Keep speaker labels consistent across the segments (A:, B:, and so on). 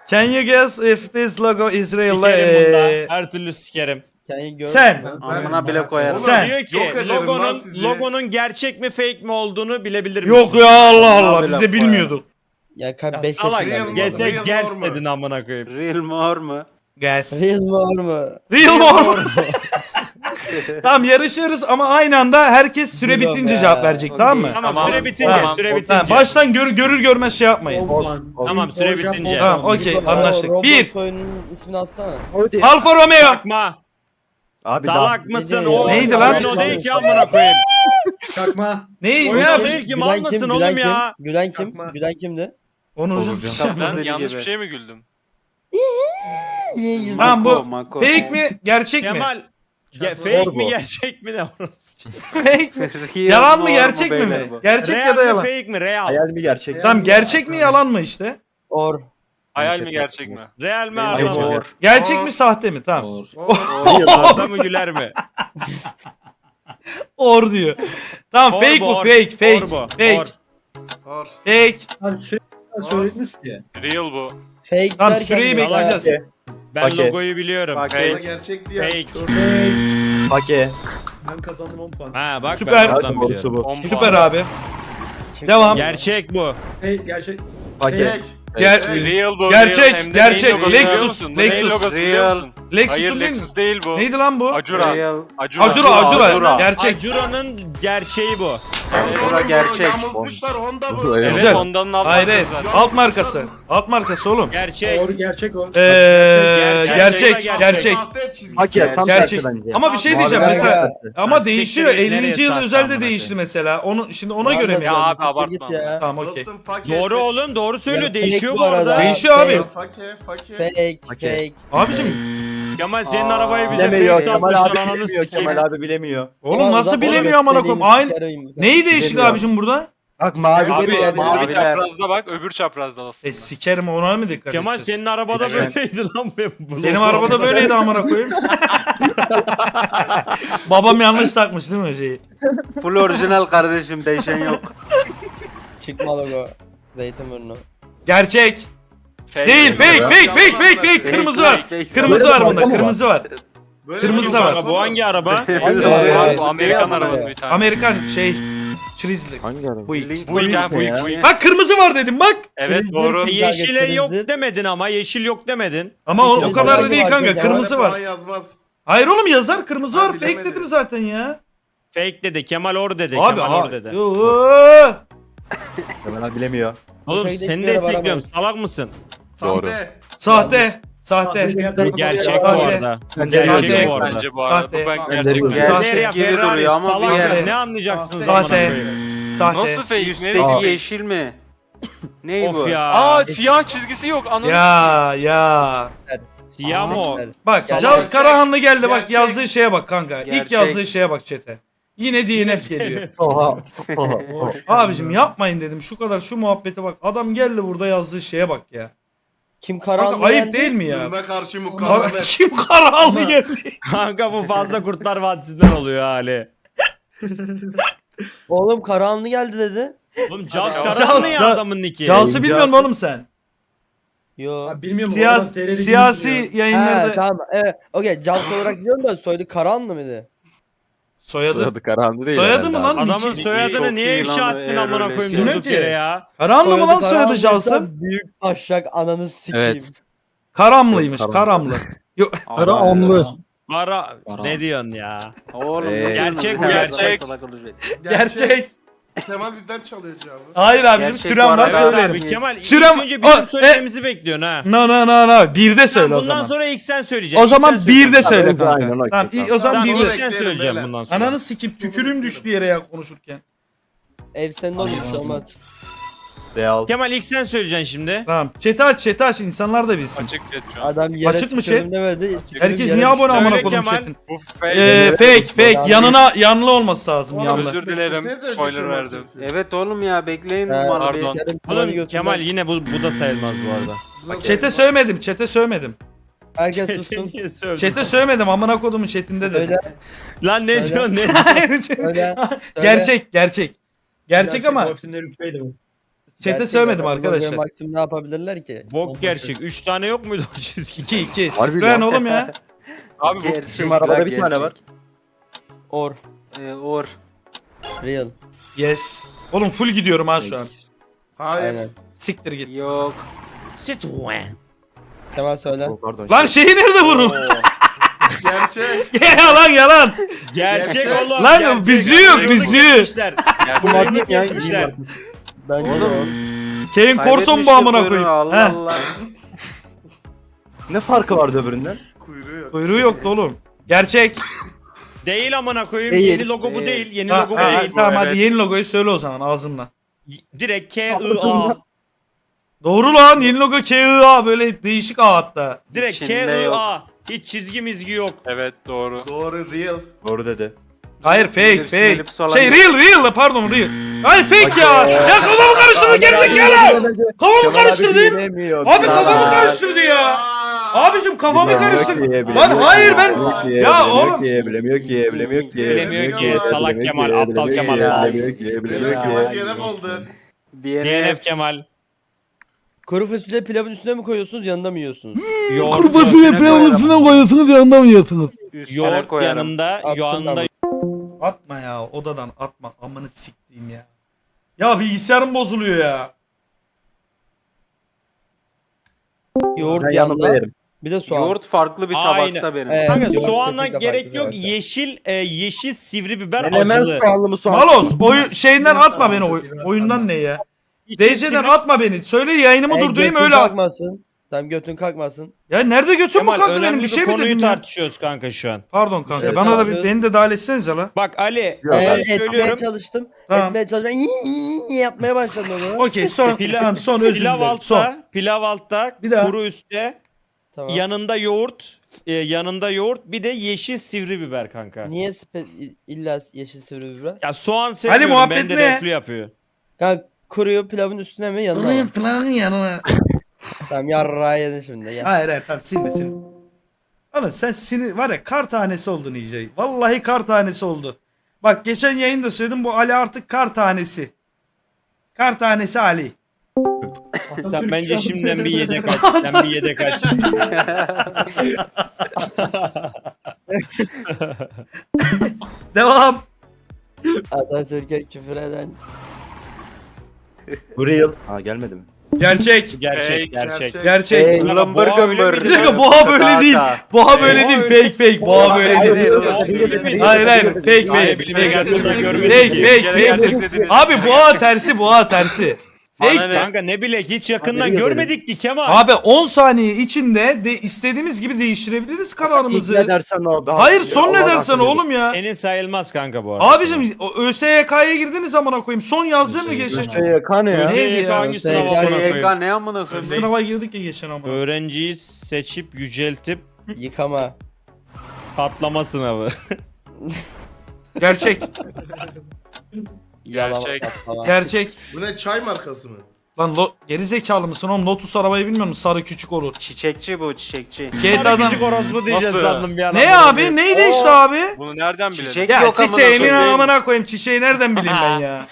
A: Can you guess if this logo is real?
B: Sikerim bunda. Her türlü sikerim.
A: Sen.
C: Amına bile koyarım.
A: Sen.
B: Diyor
D: Yok
B: ki
D: ederim lan sizi.
B: logonun gerçek mi fake mi olduğunu bilebilir misin?
A: Yok ya Allah Allah
C: Vallahi
A: biz de
C: laf
A: bilmiyorduk.
E: Ya
B: Ya
E: 5
B: salak
D: Real
B: gelse
D: mı? Real
B: gers
D: mı?
B: dedin amına koyayım.
C: Real mor mu?
A: Guess.
E: Real mi var mı?
A: Real mor. Tamam yarışıyoruz ama aynı anda herkes süre
E: Real
A: bitince
E: be.
A: cevap verecek tamam mı?
B: Tamam, süre bitince,
A: Tamam.
B: süre
A: Ha,
B: bitince.
A: baştan görür görmez şey yapmayın.
B: Tamam, süre bitince.
A: Tamam okey anlaştık.
E: Roblox
A: 1.
E: oyunun ismini atsana.
A: Alfa Romeo.
B: Çakma.
F: Abi
B: Salak mısın?
E: Neydi
B: O
A: Neydi lan?
B: oyun o değil ki amına koyayım.
G: Çakma.
A: Ne
B: Oyun o
A: yapmış?
B: değil ki mal mısın oğlum ya?
E: Gülen kim?
G: Yapma.
E: Gülen kimdi?
A: Onu
H: Ben yanlış bir şeye mi güldüm?
A: Tamam bu
C: Mako.
A: fake mi gerçek mi?
B: Kemal. Fake
F: Doğru
B: mi
F: bu.
B: gerçek mi ne?
A: Fake mi?
C: Real
A: Yalan mı
C: mor
A: gerçek mi
C: beyler
A: mi?
C: bu?
A: Gerçek
B: Real
A: ya da
B: mi
A: yalan.
B: fake mi? Real.
F: Hayal mi gerçek?
A: Tamam gerçek mi yalan mı işte?
E: Or.
H: Hayal mi gerçek mi?
B: Real mi
C: Bence
B: araba mı?
C: mor.
A: Gerçek mi sahte mi? Tamam.
B: Arda mı güler mi?
A: Or diyor. Tamam
B: Or
A: fake
B: bu,
A: bu
B: or.
A: fake fake.
B: Or bu,
A: Fake.
B: or.
D: Or.
A: Fake.
G: Abi sürekli söylediniz ki.
H: Real bu.
E: Fake
A: Tamam
E: derken
A: süreyi
E: ya.
A: bekleyeceğiz.
B: Ben
F: Okey.
B: logoyu biliyorum.
C: Bak,
H: Fake.
D: Ama gerçek diye.
B: Fake.
F: Pake.
G: Ben kazandım 10 puan.
B: Ha bak
A: Süper.
B: ben oradan
F: Doğrusu
B: biliyorum.
F: bu.
H: 10
A: Süper
H: puan.
A: abi. Devam.
B: Gerçek bu.
G: Hey gerçek.
F: Pake.
D: Fake.
H: Real bu.
A: Gerçek,
H: real. Hem de
A: gerçek.
H: neyin logosu biliyor
A: Lexus,
H: musun? Bu neyin
A: Lexus.
H: logosu biliyor
C: Real.
H: musun?
A: Lexus'un
H: Hayır
A: değil mi?
H: Lexus değil bu.
A: Neydi lan bu?
H: Acura.
C: Real.
A: Acura. Gerçek.
B: Acura'nın gerçeği bu.
C: Bura gerçek.
D: Yamultmuşlar Honda bu.
H: Evet
A: Güzel.
H: Honda'nın alt
A: Hayır
H: markası
A: evet.
H: zaten.
A: Alt markası. Alt markası oğlum.
B: Gerçek.
G: Doğru gerçek o.
A: Gerçek. Gerçek.
D: Sahte çizgi.
F: Pake tam
A: Gerçek.
F: tersi bence.
A: Ama bir şey diyeceğim
E: Mavi
A: mesela.
E: gerçek.
A: Ama
B: Ha,
A: değişiyor.
B: siktir,
A: 50.
B: nereye
A: yıl
B: sattın
A: özelde
B: amına
A: değişti
B: koyayım?
A: mesela. Onu şimdi ona göre mi?
H: Ya abi,
E: Siktir
H: abartma.
E: git ya.
A: Tamam okey.
D: Dostum fake.
B: Doğru oğlum doğru söylüyor.
E: Ya,
B: Değişiyor
E: fake
B: bu
E: bu arada.
B: arada.
A: Değişiyor abi.
D: Fake.
E: Fake.
F: Okey.
E: Fake.
A: Abicim
B: Kemal senin arabayı bize
F: Bilemiyor.
B: fake
F: Kemal
B: satmışlar
F: abi
B: ananı
F: bilemiyor.
B: sikeyim.
F: Kemal abi bilemiyor.
A: oğlum nasıl bilemiyor amına koyayım? Aynı. Neyi değişik
F: Bilemiyor.
A: abicim burada?
F: Bak mavi
H: Abi
F: yani.
H: mavi
C: Maviler.
H: çaprazda bak öbür çaprazda aslında.
A: Sikerim ona mı dikkat
B: Kemal
A: edeceğiz?
B: senin arabada
C: Evet.
B: böyleydi lan bu.
A: Benim arabada böyleydi amına koyayım. Babam yanlış takmış değil mi şeyi?
C: Full orijinal kardeşim, değişen yok.
E: Çıkma logo. Zeytinburnu.
A: Gerçek.
H: Fake.
A: Değil fake
D: ya.
A: fake fake fake fake. Kırmızı var. Kırmızı var bunda. Kırmızı var.
D: Böyle
A: Kırmızı
D: bir
A: da var.
D: araba
B: Bu hangi araba?
H: Bu Amerikan arabası bir tane.
A: Amerikan şey. Çrizli.
F: Hangi araba?
A: Bu ilk.
H: Bu ilk ha bu
C: Ne ya?
H: ilk bu ilk.
A: Bak kırmızı var dedim bak.
H: Evet
E: Kırmızı
H: doğru.
E: ki-
B: Yeşile yok
E: Kırmızı.
B: demedin ama yeşil yok demedin.
A: Ama o
E: Kırmızı
A: kadar da
E: var,
A: değil
E: var,
A: kanka.
E: var.
A: Kırmızı var.
D: Yazmaz.
A: Hayır oğlum yazar kırmızı var.
D: Ben
A: Fake
D: bilemedim.
A: dedim zaten ya.
B: Fake dedi. Kemal or dedi.
A: Abi
B: Kemal or
A: abi.
B: dedi.
A: Yoo.
F: Kemal abi bilemiyor.
B: Oğlum
E: Uçakta
B: seni
E: hiçbir yere
B: destekliyorum.
E: varamayız.
B: Salak mısın?
D: Sahte.
A: Sahte. Sahte.
B: Bu gerçek bu
A: Sahte.
B: arada. Bu
F: Sahte.
B: gerçek
A: Sahte.
B: bu arada.
H: Bence bu arada.
A: Sahte.
H: Bu ben
F: Sahte.
H: gerçek.
A: Sahte.
B: Nereye
C: gibi
B: Ferrari
C: duruyor ama
B: salak
C: bir
B: ya.
C: yer.
B: Ne anlayacaksınız
D: Sahte.
B: amına
A: Sahte.
B: koyayım?
A: Sahte.
H: Nasıl fake? Ne
C: Üstteki
H: Aa.
C: yeşil mi? Ney bu?
B: Of ya.
H: Aa siyah çizgisi yok. Ananı
A: Ya.
B: Siyah mı o?
A: Bak
E: Gerçek.
A: Cavs Karahanlı geldi bak
D: Gerçek.
A: yazdığı şeye bak kanka. İlk
C: Gerçek.
A: yazdığı şeye bak chat'e. Yine DNF geliyor.
F: Oha.
A: Abicim yapmayın dedim. Şu kadar şu muhabbete bak. Adam geldi burada yazdığı şeye bak ya.
E: Kim
A: Kanka
E: karanlığı
A: ayıp
E: yendi?
A: değil mi ya?
D: Zulme karşı mukavemet.
A: Kim Karahanlı geldi?
B: Kanka bu fazla Kurtlar Vadisi'nden oluyor hali.
E: Oğlum karanlığı geldi dedi.
B: Oğlum Jaws
H: Jaws-
B: Karanlı ya
A: Jaws-
B: adamın nicki.
A: Cavs'ı bilmiyor musun oğlum sen?
E: Yo.
G: Abi bilmiyorum.
A: Siyasi
E: He
A: yayınlarda
E: tamam. Evet. Okey. Cans olarak biliyorum da soyadı Karanlı mıydı?
A: soyadı.
F: Soyadı Karahanlı değil.
A: Soyadı mı
F: herhalde
A: lan?
F: abi.
B: Adamın
A: Niçin?
B: soyadını
C: Çok
B: niye
C: iyi
B: ifşa
C: lan,
B: ettin
C: eğer
B: amına
C: öyle
B: koyayım
C: şey.
B: durduk
A: Bilmiyorum
B: yere
A: ki.
B: ya?
A: Karanlı mı lan soyadı
E: Karanlıysa
A: Cavs'ın?
E: Büyük taşak ananı sikeyim.
F: Evet.
A: Karamlıymış
F: Yok,
A: Karamlı.
C: Karahanlı.
B: Ara ne diyorsun ya?
C: Oğlum
F: Ee,
B: gerçek bu,
H: gerçek.
A: Gerçek.
D: Kemal bizden çalıyor cevabı.
A: Hayır abicim
C: Gerçek
A: süren
C: bu
A: var
C: arada.
B: Evet
A: söylerim.
B: abi Kemal
A: Sürem-
B: ilk önce bizim
A: Aa,
B: söylememizi bekliyorsun ha.
A: No. Bir de söyle o
B: Bundan
A: zaman.
B: sonra ilk sen söyleyeceksin.
A: O
B: ilk
A: zaman
B: sen
A: bir de
B: söyleyeceksin.
A: söyle
F: Aynen,
A: kanka.
F: okey,
A: Tamam
F: tamam.
A: o zaman
B: Tamam
A: bir
B: ilk
A: de.
B: sen söyleyeceğim bundan sonra.
A: Ananı sikim tükürüğüm düştü yere ya konuşurken.
E: Ev senin olur bir şey olmaz.
F: Real.
B: Kemal ilk sen söyleyeceksin şimdi.
A: Tamam chat'i aç insanlar da bilsin.
H: Açık geç şu an.
E: Adam yere
A: Açık mı
E: tükürdüm
A: chat?
E: demedi.
A: Herkes niye abone amına
B: Söyle
A: koyayım
B: Kemal.
H: Bu
A: chat'in?
H: fake.
A: Fake yanlı olması lazım yanlı.
H: Özür dilerim. Spoiler verdim.
C: Evet oğlum ya, bekleyin.
H: Pardon.
B: Oğlum Kemal yine bu da sayılmaz bu arada.
A: Chat'e söylemedim.
E: Herkes sussun.
B: Niye söyledin?
A: Chat'e söylemedim amına kodumun chat'inde
E: Söyle.
A: dedim.
B: Lan ne
E: Söyle.
B: diyorsun ne?
A: Hayır,
E: Söyle.
A: Gerçek. Gerçek ama
G: Ofisinde rütbeydi bu.
A: Chat'e söylemedim arkadaşlar.
E: Maksimum ne yapabilirler ki?
B: Bok gerçek. 3 tane yok muydu o çizgi?
A: 2
F: Harbi
A: Citroen
F: lan.
A: oğlum ya.
H: Abi bu
C: Gerçek
F: Bizim arabada bir tane var.
E: Or.
C: Or.
E: Real.
A: Yes. Oğlum full gidiyorum ha şu an.
D: Hayır.
E: Aynen.
A: Siktir git.
C: Yok.
B: Citroen.
E: Kemal söyle.
F: Oh, pardon.
A: Lan şeyi nerede vurun?
D: Gerçek.
A: yalan yalan.
B: Gerçek
D: Gerçek.
B: oğlum.
A: Lan
B: gerçek.
A: bizi yok, bizi.
B: Kesmişler.
F: Bu
B: Oyunu
F: madde ya.
B: kesmişler.
E: Bence de
C: Oğlum.
A: Kane Corson bu amına koyayım.
C: Allah
A: Heh.
C: Allah.
F: Ne farkı vardı öbüründen?
D: Kuyruğu yok.
A: Kuyruğu yoktu oğlum. Gerçek.
B: Değil amına koyayım.
F: Değil.
B: Yeni logo bu değil. Yeni
A: Ha,
B: logo bu
A: ha,
B: değil.
A: tamam
H: Evet.
A: hadi yeni logoyu söyle o zaman ağzınla.
B: Direkt K-I-A.
A: Doğru lan yeni logo KIA böyle değişik A hatta.
B: Direkt
C: İçinde yok.
B: K-I-A. Hiç çizgi mizgi yok.
H: Evet doğru.
D: Doğru real.
F: Doğru dedi.
A: Hayır fake
C: Bilirsin,
A: fake.
C: elipsi olan
A: Şey
C: yok.
A: real pardon real. Hayır fake ya. Ya kafamı karıştırdı gerizekalı. Kafamı karıştırdı. Abi kafamı karıştırdı ya. Abicim kafamı karıştırdı. Lan hayır ben ya oğlum.
F: Bilemiyor ki.
B: Bilemiyor ki. Salak Kemal, aptal Kemal.
F: Bilemiyor
D: Kemal
F: ki.
D: DNF oldu.
B: DNF Kemal.
E: Kuru fasulye pilavın üstüne mi koyuyorsunuz yanında mı yiyorsunuz?
B: Yoğurt
A: koyuyorsunuz yanında mı yiyorsunuz?
C: Üstüne
B: Yoğurt
C: koyarım.
B: yanında,
E: Attım
B: yanında
E: ben.
A: Atma ya odadan atma amını siktiğim ya. Ya bilgisayarım bozuluyor ya.
E: Yoğurt
F: Ben
E: yanında.
F: yanında yerim.
E: Bir de soğan.
C: Yoğurt farklı bir
B: Aynen.
C: tabakta benim.
E: Evet.
B: Kanka
E: Yoğurt
B: soğana
E: kesinlikle
B: gerek
E: farklı
B: yok.
E: bir
B: Yeşil sivri biber
F: Menemen
B: acılı.
F: soğanlı mı soğan?
A: Malos şeyinden atma beni oyundan ne ya?
B: İçi
A: DC'den
B: sivri-
A: atma beni. Söyle yayınımı durdurayım
E: götün
A: öyle at.
E: kalkmasın. Tamam götün kalkmasın.
A: Ya nerede götüm mü
B: Kemal
A: kalktı benim
B: önemli
A: bir şey mi
B: konuyu
A: dedim ya?
B: tartışıyoruz kanka şu an.
A: Pardon kanka
E: Evet,
A: bana da
E: tamam.
A: beni de dahil etsenize la.
B: Bak Ali,
F: Yok,
B: ben
F: ben
E: Etmeye
B: söylüyorum.
E: çalıştım.
A: Tamam.
E: Etmeye çalıştım. Yapmaya başladım onu.
A: Okey son tamam, son özür
B: Pilav
A: dilerim. Son.
B: pilav altta,
A: Bir daha.
B: kuru üstte,
E: Tamam.
B: yanında yoğurt, bir de yeşil sivri biber kanka.
E: Niye illa yeşil sivri biber?
B: Ya soğan seviyorum,
A: muhabbet
B: ben de
A: ne?
B: reflü yapıyor.
E: Kanka kuruyor pilavın üstüne mi yanına mı?
A: yanına.
E: Tamam yarrağı yedin şimdi gel.
A: Hayır tamam silme. Oğlum sen sinir var ya kar tanesi oldun iyice. Vallahi kar tanesi oldu. Bak geçen yayında söyledim bu Ali artık kar tanesi. Kar tanesi Ali.
B: Sen bence şimdiden bir yedek aç. Sen bir yedek aç.
A: Devam.
E: Atatürk'e küfür eden.
F: Bu real. Ha gelmedi mi?
A: Gerçek.
B: Gerçek.
A: Gerçek.
E: Hey,
C: Lambır gömbür.
A: Bir dakika boğa böyle değil. Boğa böyle değil. Fake. Boğa böyle değil. Hayır fake.
B: Hayır, bilime gerçekten görmedim
A: Fake
B: ki.
A: fake. Abi boğa tersi. Fake.
B: Kanka ne bilek hiç yakından
F: Hadi
B: görmedik ki Kemal.
A: Abi 10 saniye içinde de istediğimiz gibi değiştirebiliriz
F: İlk
A: kararımızı.
F: ne dersen o abi.
A: Hayır son ne
F: Allah
A: dersen
F: hakkını
A: oğlum ya.
B: Senin sayılmaz kanka bu arada.
A: Abicim ÖSYK'ya girdiniz amına koyayım. Son yazdın mı geçen?
F: verir. Kan ya.
A: Neydi ya?
B: Hangi sınava amına koyayım?
C: YK ne amına koyayım?
A: Sınava girdik ya geçen amına.
B: Öğrenciyi seçip yüceltip
E: Yıkama.
B: patlama sınavı.
A: Gerçek.
H: Gerçek.
A: Gerçek.
D: Bu ne çay markası mı?
A: Lan geri zekalı mısın oğlum? Lotus arabayı bilmiyor musun? Sarı küçük olur.
C: Çiçekçi bu çiçekçi.
A: GTA'dan.
B: Küçük orospu diyeceğiz
H: Nasıl?
B: sandım bir an.
A: Ne abi? Neydi işte abi?
H: Bunu nereden bilelim?
C: Çiçek
A: Ya
C: yok amına
A: çiçeğinin
C: koyayım.
A: amına koyayım. Çiçeği nereden bileyim ben ya?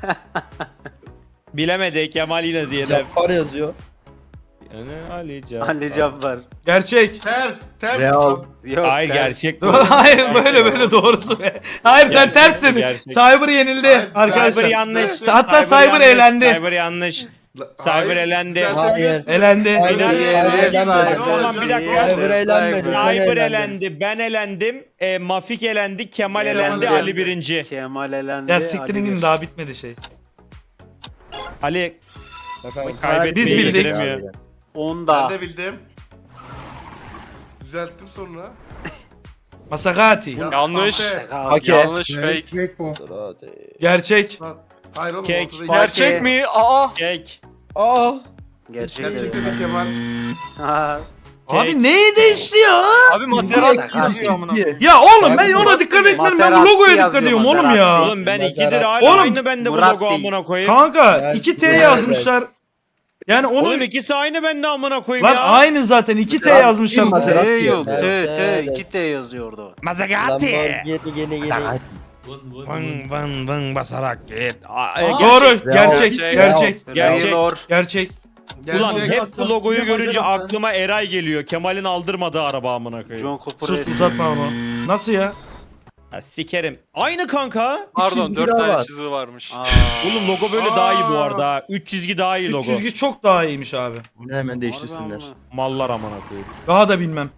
B: Bilemedi Kemal yine diye de.
E: Cappar yazıyor.
B: Yani Ali Can.
C: Ali Cabbar.
A: Gerçek.
D: Ters.
F: Real.
C: Yok.
B: Hayır
C: ters.
B: gerçek bu.
A: Hayır böyle doğrusu be. Hayır sen
B: Gerçek,
A: ters dedin.
B: gerçek.
A: Cyber yenildi
D: Hayır,
A: arkadaşlar.
B: Cyber yanlış.
A: Hatta Cyber
B: yanlış,
A: elendi.
B: Cyber yanlış.
D: Hayır,
B: Cyber elendi.
D: sen de
E: Hayır.
D: biliyorsun.
A: Elendi.
E: Hayır,
B: Tamam, bir dakika.
E: Cyber eğlenmedi.
B: Cyber elendi, ben elendim, Mafik elendi, Kemal elendi,
D: Kemal
B: Ali birinci.
C: Kemal elendi.
A: Ya
C: Ali
A: siktirin
C: bir.
A: gidin daha bitmedi şey.
B: Ali
E: Efendim.
B: kaybetmeyi
A: Biz bildik.
B: yediremiyor.
C: 10'da.
D: Ben de bildim. Düzelttim sonra.
A: Masakati.
D: Ya,
H: Yanlış.
D: sahte.
F: Okey.
H: Yanlış fake.
A: Gerçek.
D: Lan, hayır oğlum
B: Kek.
D: ortada
H: Gerçek mi? Aa.
B: Kek.
E: Aa.
C: Gerçek.
D: Gerçekten de Kemal.
C: Ha.
A: Abi neyi değişti ya?
H: Abi Maserati yazıyor amına.
A: Ya oğlum ben ona dikkat etmedim. Ben bu
C: Maserati
A: logoya dikkat
C: yazıyor,
A: ediyorum oğlum ya.
C: Maserati.
B: Oğlum ben
E: Maserati.
B: ikidir hala
A: Oğlum,
B: aynı bende bu
C: Murat
B: logo
C: değil.
B: amına koyayım.
A: Kanka
E: Evet,
A: 2T
E: evet.
A: yazmışlar. Yani onu
B: Oğlum ikisi aynı bende amına koyayım
A: lan
B: ya.
A: aynı zaten 2T yazmışlar.
F: Maserati.
C: T yok.
E: Evet,
C: T.
E: evet.
C: 2 T yazıyordu.
B: Mazagati.
E: Lamborghini.
B: Vın vın vın basarak git.
A: Doğru. Gerçek.
F: Real.
A: Gerçek.
B: Gerçek.
C: Taylor.
A: Gerçek.
B: Ulan
D: Gerçek.
B: hep bu logoyu görünce
G: Yapacağım sen.
B: aklıma Eray geliyor. Kemal'in aldırmadığı araba amına koyayım.
C: John Cooper.
A: Sus uzatma ama. Nasıl ya?
B: Ha, sikerim. Aynı kanka.
H: Pardon
F: çizgi
H: 4
F: daha
H: tane
F: var.
H: çizgi varmış.
C: Aa.
B: Oğlum logo böyle daha iyi bu arada. 3 çizgi daha iyi
A: 3
B: logo.
A: çizgi çok daha iyiymiş abi.
F: Bunu hemen değiştirsinler.
B: Mallar amına koyayım.
A: Daha da bilmem.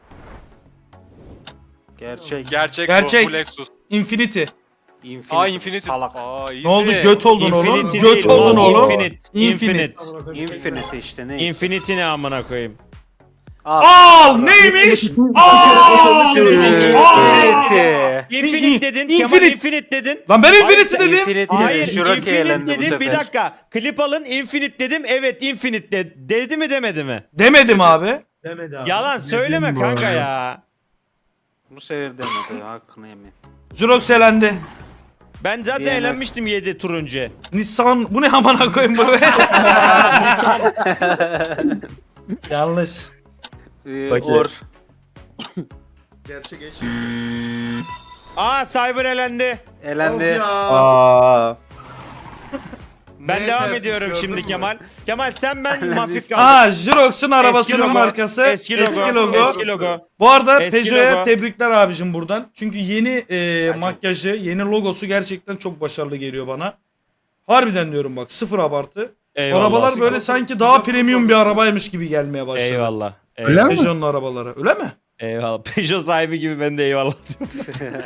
C: Gerçek.
H: Gerçek,
A: Gerçek.
H: bu Lexus.
A: Infinity.
C: Infinity.
H: Aa Infinity.
C: Salak.
H: Aa,
A: Ne oldu? Göt oldun oğlum.
B: Infinity
A: Göt
B: değil,
A: oldun
B: mal,
A: oğlum.
B: Infinite. Infinite.
C: Infinity işte neyse.
B: Infinity ne amına koyayım?
A: Al neymiş? Al.
C: Infinity.
B: Infinite dedin.
A: Infinite.
B: Kemal Infinite dedin.
A: Lan ben Infinity dedim.
C: Infinity.
B: Hayır
C: Juroki
B: Infinite
C: elendi bu
B: dedim.
C: sefer.
B: Bir dakika. Klip alın Infinite dedim. Evet Infinite dedi mi demedi mi?
A: Demedim abi.
G: Demedi abi.
B: Yalan söyleme
A: bu
B: kanka
A: arada.
B: ya.
C: Bu sefer demedi. Hakkını yemeyin.
A: Jurox elendi.
B: Ben zaten
C: DNF.
B: eğlenmiştim 7 tur önce.
A: Nissan bu ne amına koyayım bu be? Yanlış.
F: Peki.
C: Or.
D: Gerçek eşit.
B: Aa Cyber elendi.
D: Of
C: Elendi.
D: ya.
F: Aa.
B: Ben
D: Ne
B: devam
D: tersiz
B: ediyorum
D: gördün
B: şimdi
D: mü?
B: Kemal. Kemal sen ben Mafik kaldık.
A: Aa Jurox'un arabasının
B: logo,
A: markası.
B: Eski logo. Eski logo.
A: Bu arada
B: Eski
A: Peugeot'a
B: logo.
A: tebrikler abicim buradan. Çünkü yeni makyajı, yeni logosu gerçekten çok başarılı geliyor bana. Harbiden diyorum bak sıfır abartı.
B: Eyvallah.
A: Arabalar böyle sanki daha premium bir arabaymış gibi gelmeye başladı.
B: Eyvallah.
F: Öyle
B: Eyvallah.
F: mi?
A: Peugeot'un arabaları. Öyle mi?
B: Eyvallah. Peugeot sahibi gibi ben de eyvallah diyorum.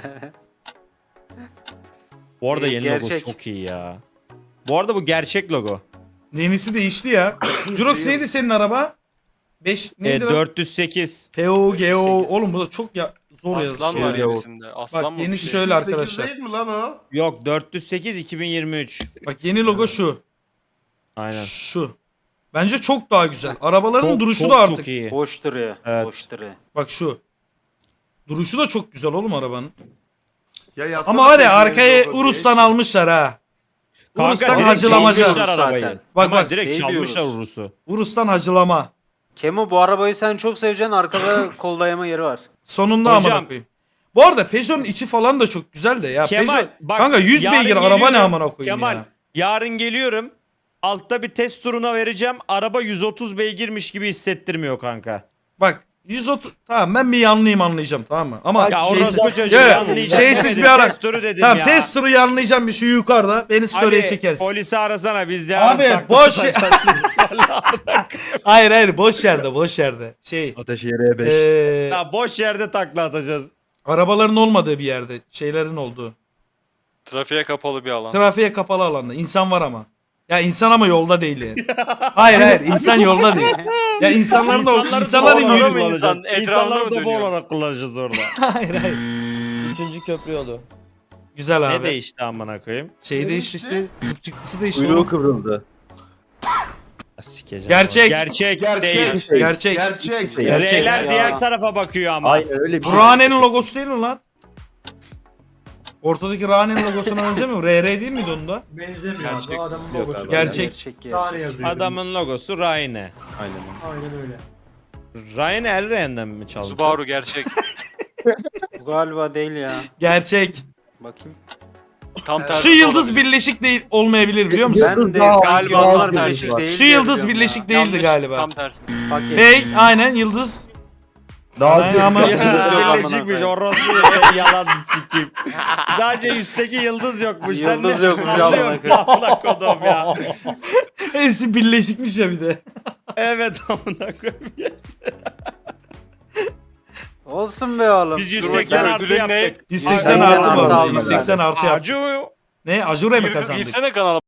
B: Bu arada yeni logo
C: Gerçek.
B: çok iyi ya. Bu arada bu gerçek logo.
A: Yenisi değişti ya. Jurox neydi senin araba? 5 neydi lan?
B: 408.
A: PO, GO. Oğlum bu da çok ya zor
H: Aslan
A: yazıyor.
H: var
A: ya.
H: yenisinde. Aslan
A: Bak
H: mı?
A: yenisi
H: Bir şey?
A: şöyle
D: 8
A: arkadaşlar.
D: değil mi lan o?
B: Yok 408 2023.
A: Bak yeni logo şu.
B: Aynen.
A: Şu. Bence çok daha güzel. Arabaların
B: Çok,
A: duruşu
B: çok,
A: da artık.
B: Çok iyi.
C: Boş duruyor.
B: Evet.
C: Boş duruyor.
A: Bak şu. Duruşu da çok güzel oğlum arabanın.
D: Ya yazsana
A: Ama var ya
D: Peugeot'un
A: arkayı
D: logo
A: Urus'tan
D: diye.
A: almışlar ha. Urus'tan
B: direkt
A: hacılamaca.
B: çalmışlar
C: Zaten.
B: arabayı.
A: Bak,
B: Kemal
A: bak,
B: direkt
C: şey
B: çalmışlar
C: diyoruz.
B: Urus'u.
A: Urus'tan hacılama.
C: Kemo bu arabayı sen çok seveceksin. Arkada kol dayama yeri var.
A: Sonunda
B: Hocam.
A: amına koyayım. Bu arada Peugeot'un içi falan da çok güzel de ya.
B: Kemal
A: Peugeot,
B: bak.
A: kanka 100
B: yarın
A: beygir araba ne
B: geliyorum.
A: amına koyayım
B: Kemal
A: ya.
B: yarın geliyorum. Altta bir test turuna vereceğim. Araba 130 beygirmiş gibi hissettirmiyor kanka.
A: Bak 130 tamam ben bir yanlıyım anlayacağım tamam mı? Ama
B: Ya
A: şeysiz,
B: orası bu çocuğu
A: Ya,
B: yanlayacak
A: şeysiz
B: demedim,
A: bir ara.
B: test turu dedim
A: Tamam
B: ya.
A: test turu yanlayacağım bir şu yukarıda. Beni story'e
B: Ali,
A: çekersin.
B: polisi arasana biz yarın
A: Abi
B: takla
A: boş
B: atacağız.
A: hayır boş yerde boş yerde. Şey
F: Ateş yere 5.
B: Ya boş yerde takla atacağız.
A: arabaların olmadığı bir yerde. Şeylerin olduğu.
H: Trafiğe kapalı bir alan.
A: Trafiğe kapalı alanda. İnsan var ama. Ya insan ama yolda değil yani. Hayır insan yolda değil. Ya insanların da
B: İnsanları
A: insanların
B: da bu olarak
A: yürü.
H: kullanacağız.
B: kullanacağız.
H: Etrafına
B: İnsanları
H: mı
B: da bu
H: dönüyor?
B: olarak kullanacağız orada.
A: Hayır.
E: 3. köprü yolu.
A: Güzel abi.
B: Ne değişti amına koyayım?
A: Şey
D: Ne
A: değişti
D: değişti?
A: işte. Zıp çıktısı değişti.
F: Kuyruğu
A: oğlum.
F: kıvrıldı.
B: Sikeceğim.
A: Gerçek.
B: Gerçek.
D: Gerçek.
B: Değil.
A: Gerçek.
D: Gerçek.
A: Gerçek.
B: R'ler
C: Ya.
B: diğer tarafa bakıyor ama.
F: Aynen öyle bir
A: Bu
F: şey.
A: Rane'nin logosu değil mi lan? Ortadaki Rane'nin logosuna benzemiyor mu? RR değil miydi onun da?
G: Benzemiyor
H: Gerçek.
G: abi. O adamın
F: Yok
G: logosu.
F: abi.
A: Gerçek.
G: Tane yazıyor.
B: Adamın logosu Rayne.
F: Aynen.
G: Aynen öyle.
B: Rayne Elren'den mi çaldı?
H: Subaru gerçek.
C: Bu galiba değil ya.
A: Gerçek.
C: Bakayım.
H: Tam tersi
A: Şu
H: de
A: yıldız
H: olabilir.
A: birleşik değil olmayabilir biliyor musun?
C: Ben de
F: daha-
C: galiba
H: daha
C: onlar
H: bir
C: karışık
F: var.
C: değil.
A: Şu
C: diye
A: yıldız
C: biliyorum
A: birleşik
C: ya.
A: değildi
H: Yanlış,
A: galiba.
H: Tam tersi.
C: Paket.
A: Fake aynen yıldız.
F: Daha
A: Aynen ama-
F: az
B: Ya, birleşikmiş orası yalan sikeyim. Sadece üstteki yıldız yokmuş. Sen
C: Yıldız
B: ne
C: yokmuş,
B: sallıyorsun
C: amına
B: amına kodum ya.
A: Hepsi birleşikmiş ya bir de.
B: Evet amına koyayım.
C: Olsun be oğlum.
B: Biz
H: Dur
B: 180
H: bakayım,
B: artı
H: ödülün ne?
B: yaptık.
A: 180
C: Aynen,
A: artı bu
C: artı
A: arada.
C: aldım
A: 180 artı yaptık.
B: Acı
A: Ne? Ajure mi kazandık?
H: Girsene kanala.